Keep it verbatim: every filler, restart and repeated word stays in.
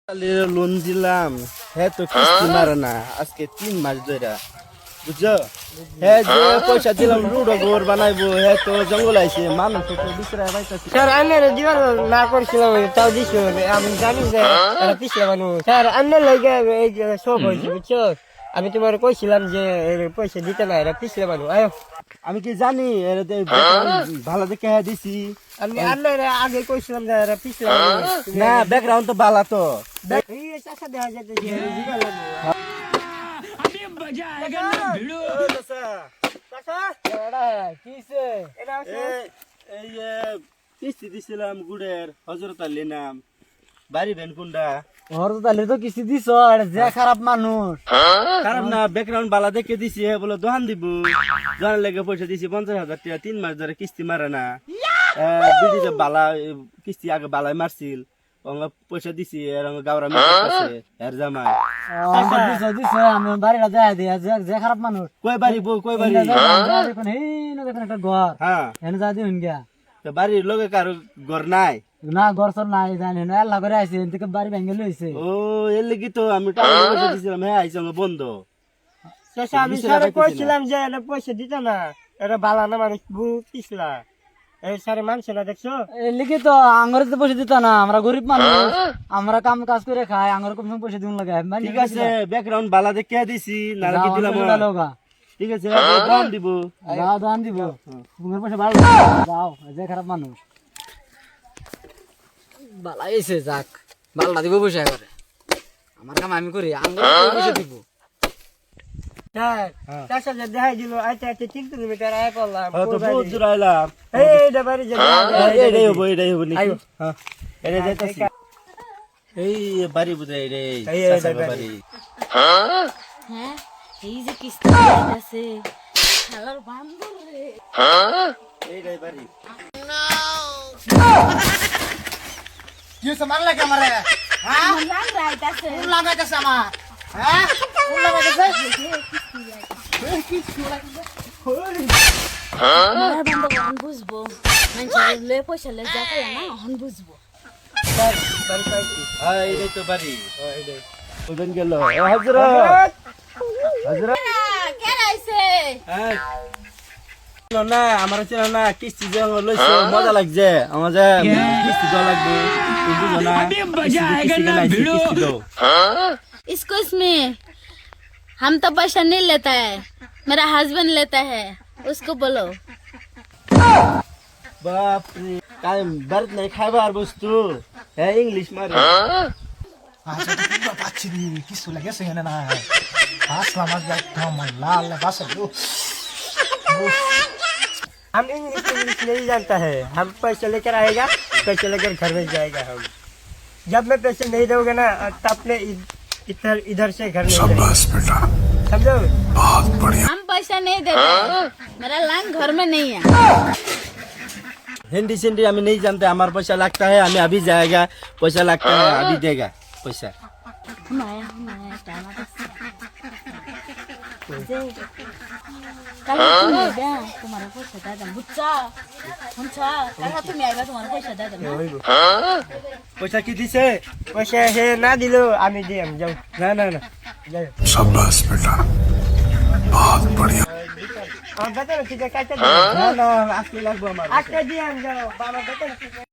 loan দিলাম হ্যাঁ তো কিস্তি মারে না আজকে তিন মাস ধরে বুঝছো হ্যাঁ যে পয়সা দিলাম রুডো ঘর বানাইবো হ্যাঁ তো জঙ্গল আইছে মানুষ তো বিচরায় বাইতাছে স্যার আন্নের দিবার না করছিলাম তাও দিছ আমি জানি যে এটা পিছলে মানুষ স্যার আন্নের লাগে এই যে সব হয়েছে বুঝছো আমি তোমার কইছিলাম যে এর পয়সা দিতে না এটা পিছলে মানুষ আয়ো আমি কি জানি এর দে ভালো দেখে হ্যাঁ দিছি আমি আন্নের আগে কইছিলাম যে এটা পিছলে না ব্যাকগ্রাউন্ড তো ভালো তো এই চাচা দেখা যাচ্ছে দিবার লাগে अभी मजा आएगा ना भिड़ो চাচা এটা কিসে এটা এই যে কিস্তি দিছিলাম গুড়ের হজরত আলী নাম বাড়ি ভেন কোনটা হরতালে তো কিস্তি দিছ যে খারাপ মানুষ খারাপ না ব্যাকগ্রাউন্ড বালা দেখে দিছি হ্যাঁ বলে দোকান দিব দোকান লেগে পয়সা দিছি পঞ্চাশ হাজার টাকা তিন মাস ধরে কিস্তি মারে না বিডিতে বালা কিস্তি আগে বালাই মারছিল পয়সা দিছি এর গাওরা মিটাছে এর জামাই দিছ দিছ আমি বাড়িটা যাই দিয়া যে খারাপ মানুষ কই বাড়ি বউ কই বাড়ি দেখুন এই না দেখুন একটা ঘর হ্যাঁ এনে যা দিন গিয়া তো বাড়ির লোকে কারো ঘর নাই না ঘর সর নাই জানি না আল্লাহ করে আইছে এদিকে বাড়ি ভেঙে লইছে ও এর লাগি তো আমি টাকা পয়সা দিছিলাম হ্যাঁ আইছে আমার বন্ধ চাচা আমি স্যারে কইছিলাম যে এটা পয়সা দিত না এটা বালা না মানুষ বহুত পিছলা এই স্যারে মানছে না দেখছো লিখি তো আঙ্গরে তো পয়সা দিত না আমরা গরিব মানুষ আমরা কাম কাজ করে খাই আঙ্গরে কম পয়সা দিন লাগে ঠিক আছে ব্যাকগ্রাউন্ড বালা দেখে দিছি না কি দিলাম ঠিক আছে দাম দিব দাও দাম দিব তোমার পয়সা ভালো দাও যে খারাপ মানুষ বালা এসে যাক বালা দিব পয়সা করে আমার কাম আমি করি আঙ্গরে পয়সা দিব স্যার চাচা যে দেখাই দিল আচ্ছা আচ্ছা তিন কিলোমিটার আয় পড়লাম তো বহুত দূর আইলাম এইটা বাড়ি যে এইটাই হবো এইটাই হবো নাকি হ্যাঁ এটা যাইতাছি এই বাড়ি বুঝাই রে চাচা বাড়ি হ্যাঁ এই যে কিস্তি আছে শালার বান্দর রে এইটাই বাড়ি কি সমান লাগে আমারে হ্যাঁ লাং রাইতাছে কোন লাগাইতাছে আমার হ্যাঁ কোন লাগাইতাছে আমার বান্দর হন বুঝবো মানুষের লে পয়সা লে যা কইলা না হন বুঝবো হ্যাঁ এইটাই তো বাড়ি এইটাই ওজন গেল হযরত হযরত কে রাইছে হ্যাঁ না আমার চেনা না কিস্তি যে লইছে মজা লাগছে আমার যে কিস্তি দেওয়া লাগবে বুঝো না अभी मजा आएगा ना भिड़ो इसको में हम तो पैसा नहीं लेता है मेरा हस्बैंड लेता है उसको बोलो বাপ রে কাই বারত নাই খাবার বস্তু হ্যাঁ ইংলিশ মারে আচ্ছা তো পাচ্ছি রে কিছু লাগেছে না না আসলাম আজ একদম লাল বাসা हम इंग्लिश इंग्लिश नहीं जानता है हम पैसा लेकर आएगा पैसा लेकर घर में जाएगा हम जब मैं पैसे नहीं दोगे ना तब अपने इधर इधर से घर में बेटा समझो बहुत बढ़िया हम पैसा नहीं देते मेरा लांग घर में नहीं है हिंदी सिंधी हमें नहीं जानते हमारा पैसा लगता है हमें अभी जाएगा पैसा लगता है अभी देगा पैसा हम आया हम आया टाइम কাল তুমি আইবা তোমার পয়সা দাও দাম বুঝছা বুঝছা কাল তুমি আইবা তোমার পয়সা দাও দাম पैसा की दिसे पैसा है ना दिलो আমি দিয়ে আমি যাও ना ना ना যাও शाबाश बेटा बहुत बढ़िया আমার বেতন ঠিক আছে কাটতে ना ना आजके लगबो हमारा আজকে দিয়ে আমি যাও বাবা বেতন